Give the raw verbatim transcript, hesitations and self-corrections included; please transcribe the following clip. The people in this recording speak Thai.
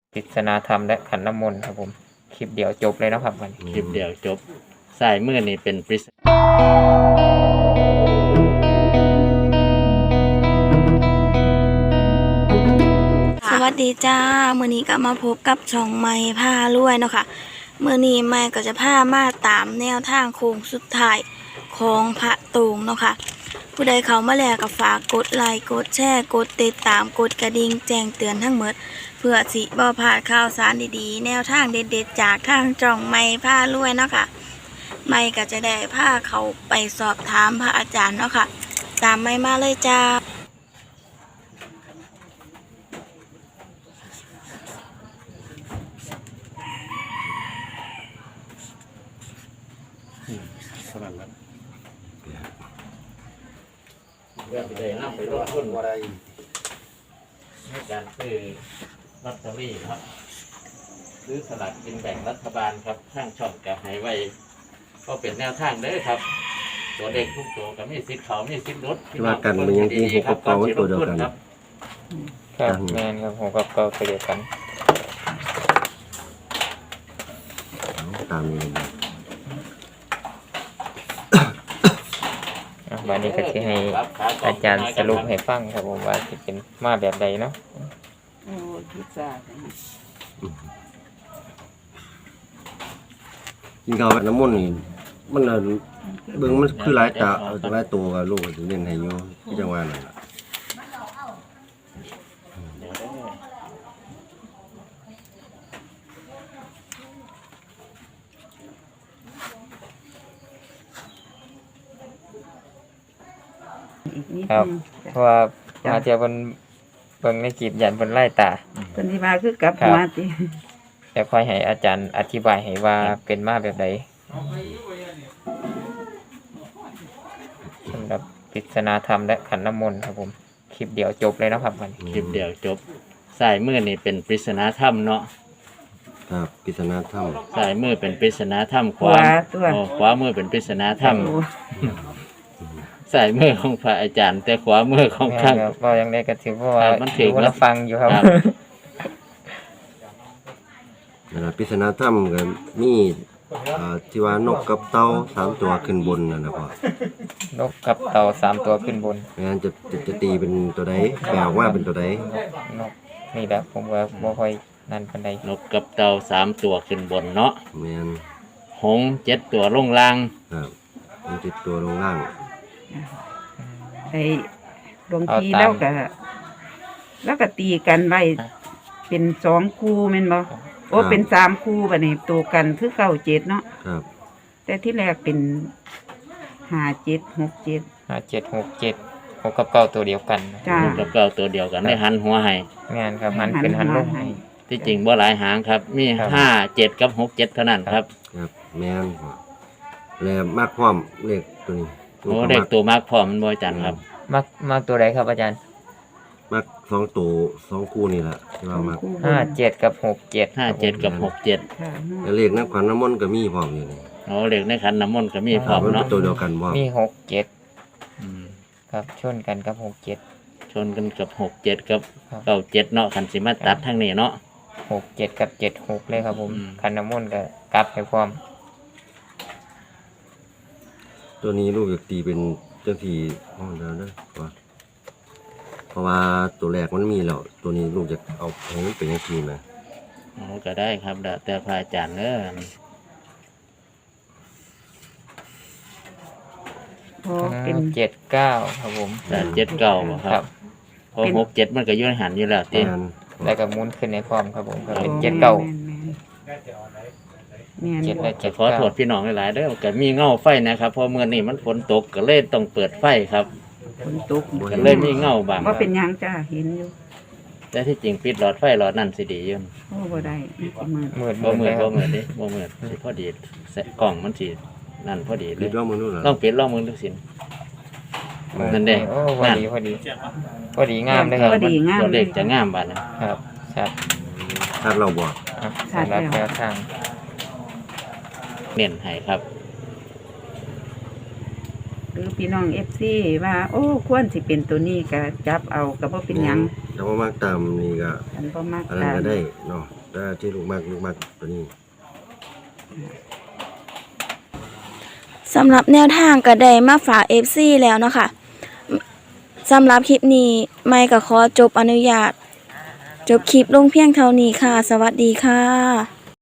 ปริศนาธรรมและขันน้ำมนต์ครับผมคลิปเดียวจบเลยนะครับวันนี้คลิปเดียวจบสายมือนี่เป็นปริศสวัสดีจ้ามื้อนี้ก็มาพบกับช่องไม้ผ้ารวยเนาะค่ะมื้อนี้ไม้ก็จะพามาตามแนวทางโค้งสุดท้ายของพระตูงเนาะค่ะผู้ใดเข้ามาแล้วก็ฝากกดไลค์กดแชร์กดติดตามกดกระดิ่งแจ้งเตือนทั้งหมดเพื่อสิบ่พลาดข่าวสารดีๆแนวทางเด็ดๆจากทางช่องไม้ผ้ารวยเนาะค่ะไม้ก็จะได้พาเขาไปสอบถามพระอาจารย์เนาะค่ะตามไม้มาเลยจ้าสมัครแล้วเรื่องใดนำไปลงทุนอะไรในการซื้อลอตเตอรี่ครับซื้อสลากกินแบ่งรัฐบาลครับข้างช่องกับให้ไว้ก็เป็นแนวทางเด้อครับตัวเด็กทุกตัวก็มีสิทธิ์เขามีสิทธิ์ลดว่ากันมันยังที่หกกับเก้ามันตัวเดียวกันครับแมนครับผมกับเก้าตัวเดียวกันตามนี้วันนี้ก็จะให้อาจารย์สรุปให้ฟังครับผมว่าจะเป็นมาแบบใดเนาะโอ้ทุกศาสตร์กินข้าวกับน้ำมันนี่มันน่ะเบิ่งมันคือหลายตาหลายตัวกับลูกสิเน้นให้อยู่ที่จังหวัดนั่นล่ะอีกนิดครับนึงเพราะว่ามาเทียบเพิ่นเบิ่งในคลิปยันเพิ่นไล่ตาคนที่มาคือกลับหัวติแต่ค่อยให้อาจารย์อธิบายให้ว่าเป็นมาแบบใดสำหรับปริศนาธรรมและขันน้ำมนต์ครับผมคลิปเดียวจบเลยนะครับวันนี้คลิปเดียวจบสายมือนี่เป็นปริศนาธรรมเนาะครับปริศนาธรรมสายมือเป็นปริศนาธรรมขหัววาตัวโอ้ขวามือเป็นปริศนาธรรมโอ้สายมือของพระอาจารย์ แต่ขวามือของแม่ข้างครับว่ายังได้ก็ถือเพราะว่าครับมันถึงดูและฟังอยู่ครับครับนั่นล่ะปริศนาธรรมก็มีอ่าที่ว่านกกับเต่าสามตัวขึ้นบนนั่นน่ะพ่อนกกับเต่าสามตัวขึ้นบนไม่งั้นจะจะจะตีเป็นตัวใดแปลออกมาเป็นตัวใดนกนี่แหละผมว่าบ่ค่อยนั่นปานใดนกกับเต่าสามตัวขึ้นบนเนาะแม่นหงส์เจ็ดตัวลงล่างครับมันติดตัวลงล่างไอ้หลวงพี่แล้วก็แล้วก็ตีกันไว้เป็นสองคู่แม่นบ่โอ้เป็นสามคู่บัดนี้ตัวกันคือเก้าเจ็ดเนาะครับแต่ที่แรกเป็นห้าเจ็ดหกเจ็ดห้าเจ็ดหกเจ็ดหกกับเก้าตัวเดียวกันนะจ้านกกับเต่าตัวเดียวกันได้หันหัวให้งานครับหันเป็นหันลงหันหัวให้ที่จริงบ่หลายหางครับ มีครับห้าเจ็ดกับหกเจ็ดเท่านั้นครับครับแม่นพ่อแล้วมากพร้อมเลขตัวนี้โอ้เด็กตัวมากพร้อมมันบ่อาจันครับมักมักตัวใดครับอาจารย์มักสองตัวสองคู่นี่แหละที่ว่ามักคู่บนห้าเจ็ดกับหกเจ็ดห้าเจ็ดกับหกเจ็ดค่ะแล้วเลขนักขวัญน้ำมนต์ก็มีพร้อมอยู่นี่โอ้เด็กในขันน้ำมนต์ก็มีพร้อมมันเป็เนาะนตัวเดียวกันพร้อมมีหกเจ็ดอืมครับชนกันกับหกเจ็ดชนกันกับหกเจ็ดกับครับเก้าเจ็ดเนาะขันสิมาตัดทั้งนี้เนาะหกเจ็ดกับเจ็ดหกเลยครับผมอืมคันน้ำมนต์ก็กลับให้พร้อมตัวนี้ลูกอยากตีเป็นเจ้าที่ห้องเดียวนะว่าเพราะว่าตัวแรกมันมีแล้วตัวนี้ลูกจะเอาให้มันเป็นเจ้าที่นะโอ้ก็ได้ครับแล้วแต่พระอาจารย์เด้อโอ้เป็นเจ็ดเก้าครับผมแต่เจ็ดเก้าบ่คครัรับบ เพราะหกเจ็ดมันก็อยืนหันอยู่แล้วติแม่นแล้วก็หมุนขึ้นในพร้อมครับผมก็เป็นเจ็ดเก้าแม่นแม่นเจ็ดแม่และนเจ็ดขอเก้าโทษพี่น้องหลายๆเด้อก็มีเงาไฟนะครับเพราะเมื่อนี้มันฝนตกก็เลยต้องเปิดไฟครับฝนตกก็เลยมีเงาบางว่าเป็นหยังจ้าเห็นอยู่แต่ที่จริงปิดหลอดไฟหลอดนั่นสิดีอยู่โอ้บ่ได้มันสิมืดมืดบ่มืดมืเลดยคบ่รับมืดดิบ่มืดสิพอดีแสะกล่องมันสินั่นพอดีเลคิยดว่ามึงนู่นเหรอต้องปิดลองมือทุกสิน นั่นเด้โอ้พอดีพอดีพอดีงามเลยครับพอดีงามตัวเลขจะงามบาดนะครับครับถ้าเราบอกอ่ะสำหรับแนวทางเน้นให้ครับหรือพี่น้อง เอฟ ซี ว่า โอ้ควรสิเป็นตัวนี้ก็จับเอาก็บ่เป็นหยังแแต่ว่ามากตามนี่ก็อันบ่มักอันนั้นตามก็ได้เนาะแต่ที่ลูกมากลูกมากตัวนี้สำหรับแนวทางก็ได้มาฝาก เอฟ ซี แล้วเนาะค่ะสำหรับคลิปนี้ไม่ก็ขอจบอนุญาต จบคลิปลงเพียงเท่านี้ค่ะ สวัสดีค่ะ